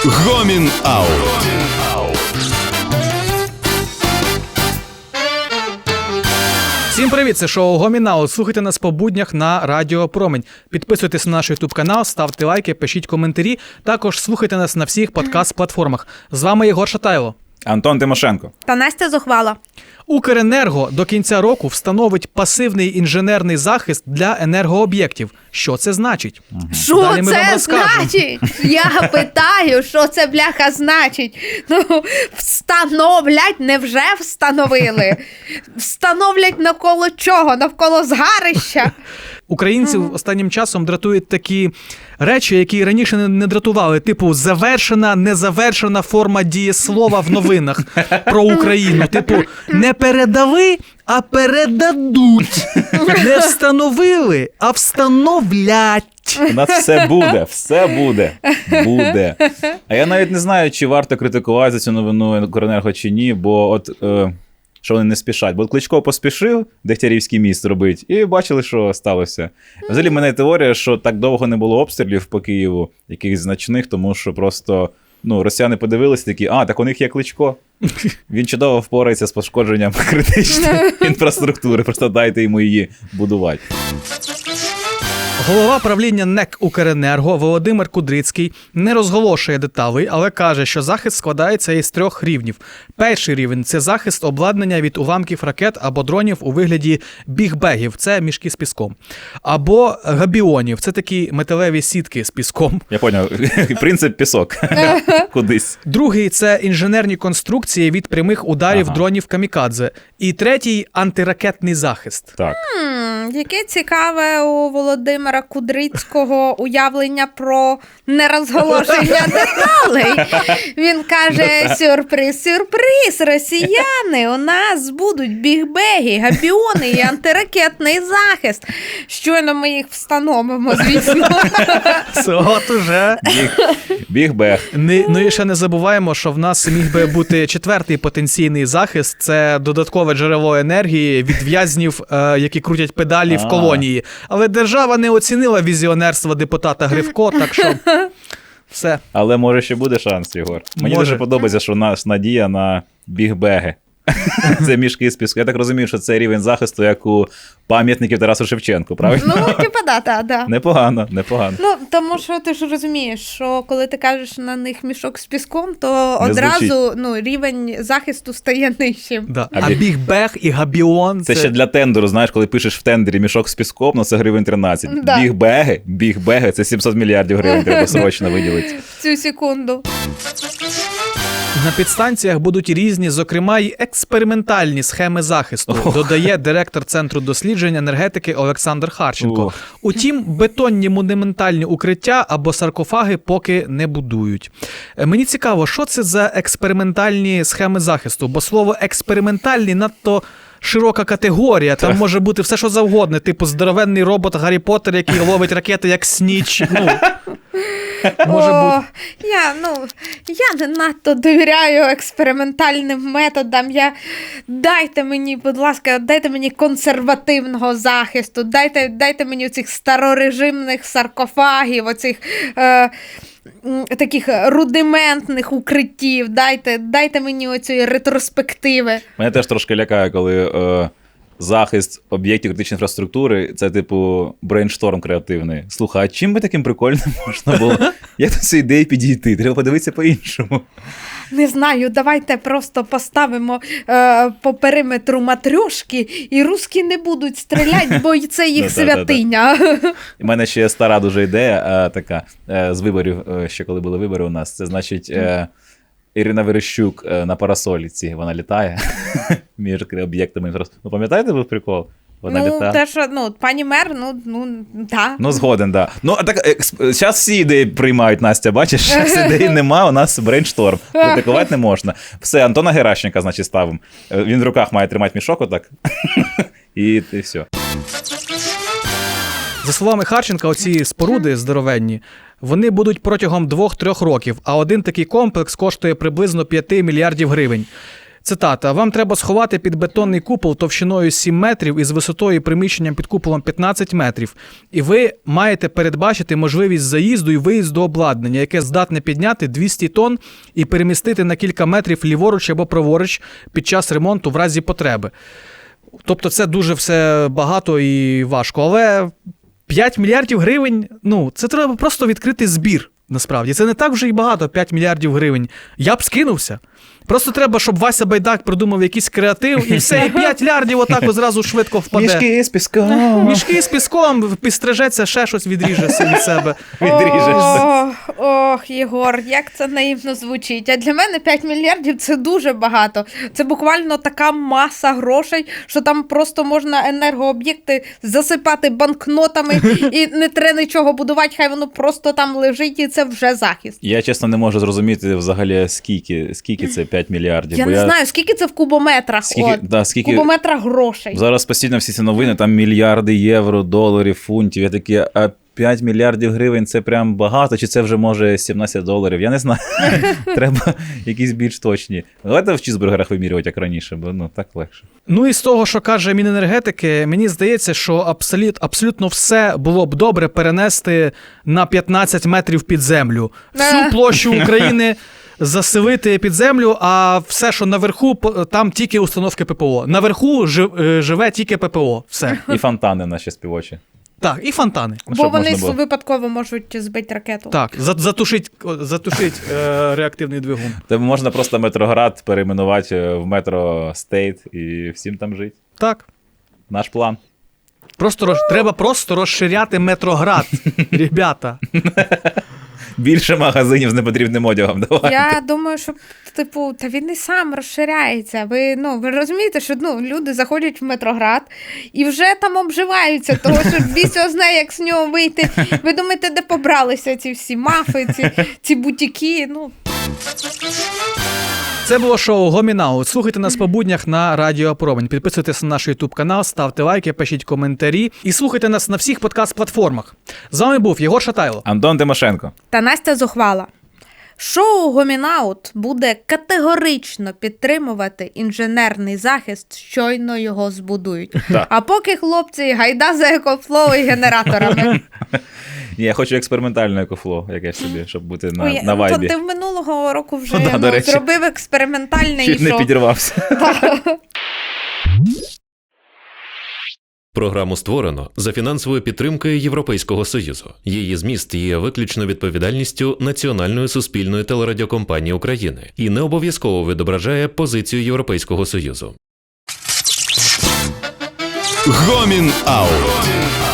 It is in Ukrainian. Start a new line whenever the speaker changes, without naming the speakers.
Гомін Аут.
Всім привіт, це шоу Гомін Аут. Слухайте нас по буднях на Радіо Промінь. Підписуйтесь на наш YouTube-канал, ставте лайки, пишіть коментарі. Також слухайте нас на всіх подкаст-платформах. З вами Єгор Шатайло.
Антон Тимошенко.
Та Настя Зухвала.
Укренерго до кінця року встановить пасивний інженерний захист для енергооб'єктів. Що це значить?
Що це значить? Я питаю, що це, бляха, значить? Ну, встановлять, невже встановили? Встановлять навколо чого? Навколо згарища?
Українців останнім часом дратують такі речі, які раніше не дратували. Типу, завершена, незавершена форма дієслова в новинах про Україну. Типу, не передали, а передадуть. Не встановили, а встановлять.
У нас все буде. А я навіть не знаю, чи варто критикувати за цю новину Укренерго чи ні, бо от... що вони не спішать. Бо Кличко поспішив Дегтярівський міст робити, і бачили, що сталося. Взагалі, в мене теорія, що так довго не було обстрілів по Києву, якихось значних, тому що просто росіяни подивилися такі, так у них є Кличко. Він чудово впорається з пошкодженням критичної інфраструктури, просто дайте йому її будувати.
Голова правління НЕК «Укренерго» Володимир Кудрицький не розголошує деталей, але каже, що захист складається із 3 рівнів. Перший рівень – це захист обладнання від уламків ракет або дронів у вигляді бігбегів – це мішки з піском. Або габіонів – це такі металеві сітки з піском.
Я поняв, принцип пісок. Кудись.
Другий – це інженерні конструкції від прямих ударів дронів камікадзе. І третій – антиракетний захист.
Так.
Яке цікаве у Володимира Кудрицького уявлення про нерозголошення деталей. Він каже, сюрприз, росіяни, у нас будуть бігбеги, габіони і антиракетний захист. Щойно ми їх встановимо, звісно.
От уже.
Бігбег.
Ну і ще не забуваємо, що в нас міг би бути 4-й потенційний захист. Це додаткове джерело енергії від в'язнів, які крутять педалі в колонії. Але держава не оцінила візіонерство депутата Гривко, так що все.
Але може ще буде шанс, Єгор. Мені дуже подобається, що наш надія на бігбеги. Це мішки з піску. Я так розумію, що це рівень захисту, як у пам'ятників Тарасу Шевченку, правильно?
Ну, типа, да.
Непогано.
Ну, тому що ти ж розумієш, що коли ти кажеш на них мішок з піском, то
Не
одразу рівень захисту стає нижчим.
Да. А бігбег і габіон –
це ще для тендеру, знаєш, коли пишеш в тендері мішок з піском, це гривень 13.
Да.
Бігбеги, це 700 мільярдів гривень треба срочно виділити.
Цю секунду.
На підстанціях будуть різні, зокрема й експериментальні схеми захисту, додає директор Центру досліджень енергетики Олександр Харченко. Утім, бетонні монументальні укриття або саркофаги поки не будують. Мені цікаво, що це за експериментальні схеми захисту, бо слово «експериментальні» надто широка категорія, там може бути все, що завгодно, типу здоровенний робот Гаррі Поттер, який ловить ракети як Сніч. Може бути.
Я не надто довіряю експериментальним методам. Дайте мені, будь ласка, дайте мені консервативного захисту, дайте мені оцих старорежимних саркофагів, оцих таких рудиментних укриттів, дайте мені оцієї ретроспективи.
Мене теж трошки лякає, коли захист об'єктів критичної інфраструктури – це типу брейншторм креативний. Слухай, а чим би таким прикольним можна було? Як до цієї ідеї підійти? Треба подивитися по-іншому.
Не знаю, давайте просто поставимо по периметру матрьошки, і русські не будуть стріляти, бо це їх святиня.
У мене ще стара дуже ідея така з виборів, ще коли були вибори у нас. Це значить... Ірина Верещук на парасоліці, вона літає між об'єктами інфраструктури. Пам'ятаєте, був прикол? Вона літає.
Те, що, пані мер, так.
Згоден, да. Так, зараз всі ідеї приймають, Настя, бачиш? Зараз ідеї нема, у нас брейншторм. Критикувати не можна. Все, Антона Геращенка, значить, ставимо. Він в руках має тримати мішок отак. І все.
За словами Харченка, оці споруди здоровенні, вони будуть протягом 2-3 років, а один такий комплекс коштує приблизно 5 мільярдів гривень. Цитата. «Вам треба сховати під бетонний купол товщиною 7 метрів із висотою приміщенням під куполом 15 метрів. І ви маєте передбачити можливість заїзду і виїзду обладнання, яке здатне підняти 200 тонн і перемістити на кілька метрів ліворуч або праворуч під час ремонту в разі потреби». Тобто це дуже все багато і важко. Але 5 мільярдів гривень, це треба просто відкрити збір, насправді. Це не так вже і багато, 5 мільярдів гривень. Я б скинувся. Просто треба, щоб Вася Байдак придумав якийсь креатив, і все, і 5 мільярдів отак одразу швидко впаде.
Мішки з піском.
Мішки з піском, підстрижеться, ще щось відріже від себе.
Відріжешся.
Ох, Єгор, як це наївно звучить. А для мене 5 мільярдів – це дуже багато. Це буквально така маса грошей, що там просто можна енергооб'єкти засипати банкнотами і не треба нічого будувати, хай воно просто там лежить, і це вже захист.
Я, чесно, не можу зрозуміти взагалі, скільки це 5 мільярдів.
Я не знаю, скільки це в кубометрах.
Скільки...
Кубометрах грошей.
Зараз постійно всі ці новини, там мільярди євро, доларів, фунтів. Я такі, а 5 мільярдів гривень це прям багато, чи це вже може $17? Я не знаю. Треба якісь більш точні. Давайте в чізбургерах вимірювати, як раніше, бо так легше.
І з того, що каже Міненергетики, мені здається, що абсолютно все було б добре перенести на 15 метрів під землю. Всю площу України заселити під землю, а все, що наверху, там тільки установки ППО. Наверху живе тільки ППО. Все.
І фонтани наші співочі.
Так, і фонтани.
Бо вони випадково можуть збити ракету.
Так, затушить реактивний двигун.
Тобто можна просто Метроград перейменувати в Метро Стейт і всім там жити.
Так.
Наш план.
Треба просто розширяти Метроград, ребята.
Більше магазинів з непотрібним одягом. Давай.
Я думаю, що та він і сам розширяється. Ви розумієте, що люди заходять в Метроград і вже там обживаються, того що біс його знає, як з нього вийти. Ви думаєте, де побралися ці всі мафи, ці бутіки?
Це було шоу Гомінаут. Слухайте нас по буднях на Радіо Промінь. Підписуйтесь на наш YouTube канал, ставте лайки, пишіть коментарі і слухайте нас на всіх подкаст-платформах. З вами був Єгор Шатайло,
Антон Тимошенко
та Настя Зухвала. Шоу Гомінаут буде категорично підтримувати інженерний захист, щойно його збудують.
Так.
А поки, хлопці, гайда за екофлоу і генераторами.
Ні, я хочу експериментальне екофло, якесь собі, щоб бути на вайбі.
Ти минулого року вже
до речі.
зробив експериментальне
Чуть
і
не
що?
підірвався.
Програму створено за фінансовою підтримкою Європейського Союзу. Її зміст є виключно відповідальністю Національної суспільної телерадіокомпанії України і не обов'язково відображає позицію Європейського Союзу.
Гомін Аут.